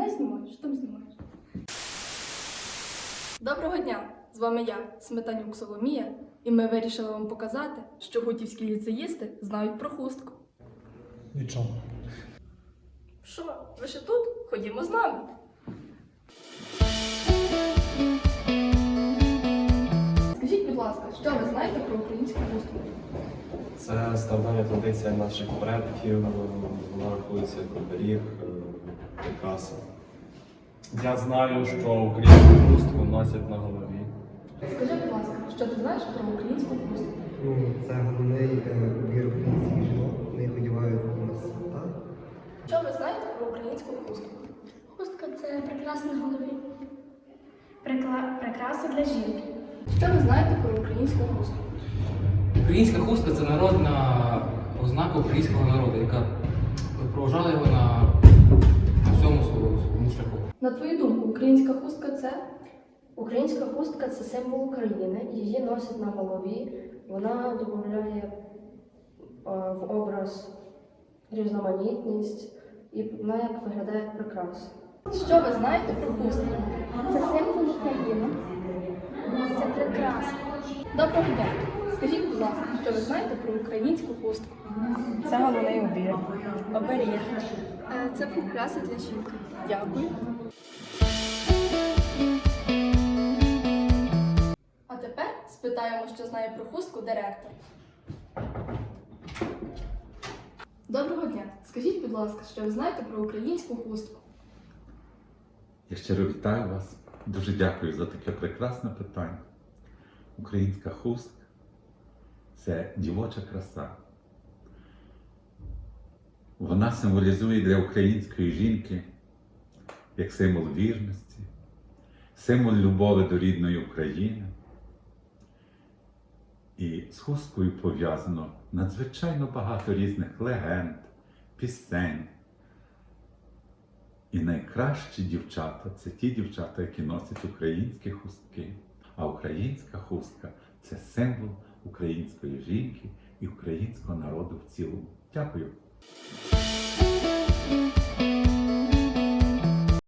Знімай, що там знімаєш? Доброго дня! З вами я, Сметанюк Соломія, і ми вирішили вам показати, що гутівські ліцеїсти знають про хустку. Нічого. Що, ви ще тут? Ходімо з нами. Скажіть, будь ласка, що ви знаєте про українську хустку? Це стародавня традиція наших предків, вона рахується як оберіг, прикраса. Я знаю, що українську хустку носять на голові. Скажи, будь ласка, що ти знаєш про українську хустку? Це головний убір українських жінок, вони їх одягають на свята. Що ви знаєте про українську хустку? Хустка це прикраса на голові. Прикраса для жінки. Що ви знаєте про українську хустку? Українська хустка це народна ознака українського народу, яка проважала його на всьому своєму шляху. На твою думку, українська хустка це? Українська хустка це символ України, її носять на голові, вона додає в образ різноманітність і вона як виглядає як прикраса. Що ви знаєте про хустку? Це символ України. Це прикраса. Доброго дня! Скажіть, будь ласка, що ви знаєте про українську хустку? Це головний убір. Оберіг. Це прикраса для жінки. Дякую. А тепер спитаємо, що знає про хустку директор. Доброго дня! Скажіть, будь ласка, що ви знаєте про українську хустку? Я щиро вітаю вас. Дуже дякую за таке прекрасне питання. Українська хустка – це дівоча краса. Вона символізує для української жінки як символ вірності, символ любові до рідної України. І з хусткою пов'язано надзвичайно багато різних легенд, пісень. І найкращі дівчата – це ті дівчата, які носять українські хустки. А українська хустка – це символ української жінки і українського народу в цілому. Дякую!